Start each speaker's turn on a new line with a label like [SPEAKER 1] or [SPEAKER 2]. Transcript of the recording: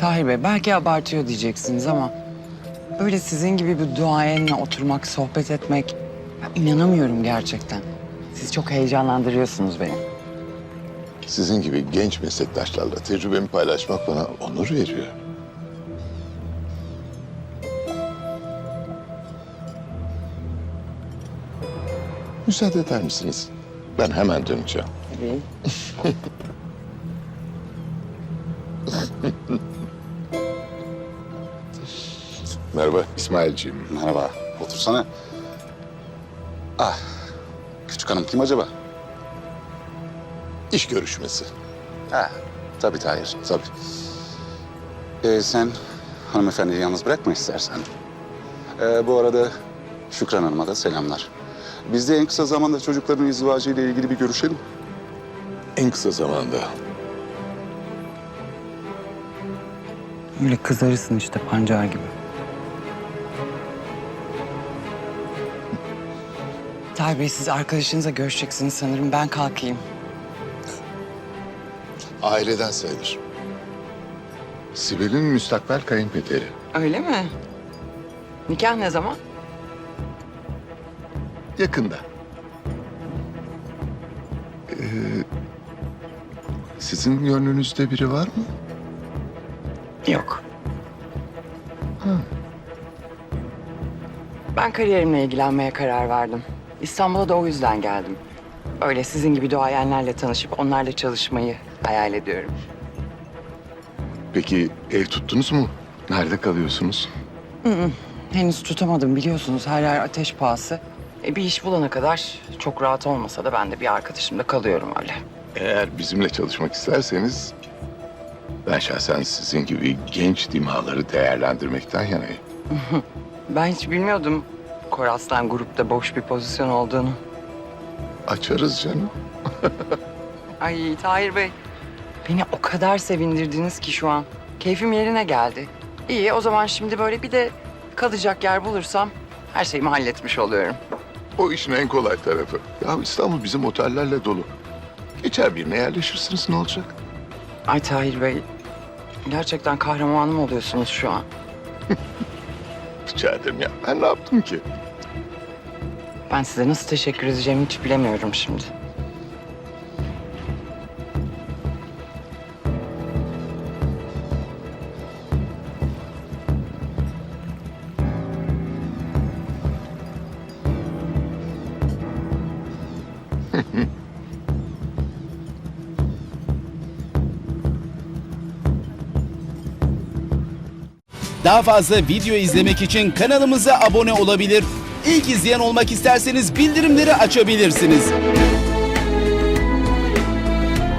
[SPEAKER 1] Tahir Bey, belki abartıyor diyeceksiniz ama... ...böyle sizin gibi bir duayenle oturmak, sohbet etmek... ...ya inanamıyorum gerçekten. Siz çok heyecanlandırıyorsunuz beni.
[SPEAKER 2] Sizin gibi genç meslektaşlarla tecrübemi paylaşmak bana onur veriyor. Müsaade eder misiniz? Ben hemen döneceğim.
[SPEAKER 1] Tabii.
[SPEAKER 2] Merhaba İsmailciğim.
[SPEAKER 3] Merhaba. Otursana. Ah, küçük hanım kim acaba?
[SPEAKER 2] İş görüşmesi.
[SPEAKER 3] Ha, tabii Tahir, tabii. Sen hanımefendiyi yalnız bırakma istersen. Bu arada Şükran Hanım'a da selamlar. Biz de en kısa zamanda çocukların izdivacı ile ilgili bir görüşelim.
[SPEAKER 2] En kısa zamanda.
[SPEAKER 1] Öyle kızarırsın işte pancar gibi. Tahir Bey, siz arkadaşınızla görüşeceksiniz sanırım. Ben kalkayım.
[SPEAKER 2] Aileden sayılır. Sibel'in müstakbel kayınpederi.
[SPEAKER 1] Öyle mi? Nikah ne zaman?
[SPEAKER 2] Yakında. Sizin gönlünüzde biri var mı?
[SPEAKER 1] Yok. Ben kariyerimle ilgilenmeye karar verdim. İstanbul'a da o yüzden geldim. Öyle sizin gibi duayenlerle tanışıp onlarla çalışmayı hayal ediyorum.
[SPEAKER 2] Peki ev tuttunuz mu? Nerede kalıyorsunuz?
[SPEAKER 1] Henüz tutamadım, biliyorsunuz her yer ateş pahası. Bir iş bulana kadar çok rahat olmasa da ben de bir arkadaşımda kalıyorum öyle.
[SPEAKER 2] Eğer bizimle çalışmak isterseniz... ...ben şahsen sizin gibi genç dimağları değerlendirmekten yanayım.
[SPEAKER 1] Ben hiç bilmiyordum Koraslan grupta boş bir pozisyon olduğunu.
[SPEAKER 2] Açarız canım.
[SPEAKER 1] Ay Tahir Bey, beni o kadar sevindirdiniz ki şu an. Keyfim yerine geldi. İyi, o zaman şimdi böyle bir de kalacak yer bulursam her şeyimi halletmiş oluyorum.
[SPEAKER 2] O işin en kolay tarafı. Ya İstanbul bizim otellerle dolu. Geçer birine yerleşirsiniz, ne olacak?
[SPEAKER 1] Ay Tahir Bey, gerçekten kahramanım oluyorsunuz şu an.
[SPEAKER 2] Rica ederim ya. Ben ne yaptım ki?
[SPEAKER 1] Ben size nasıl teşekkür edeceğimi hiç bilemiyorum şimdi.
[SPEAKER 4] Daha fazla video izlemek için kanalımıza abone olabilir. İlk izleyen olmak isterseniz bildirimleri açabilirsiniz.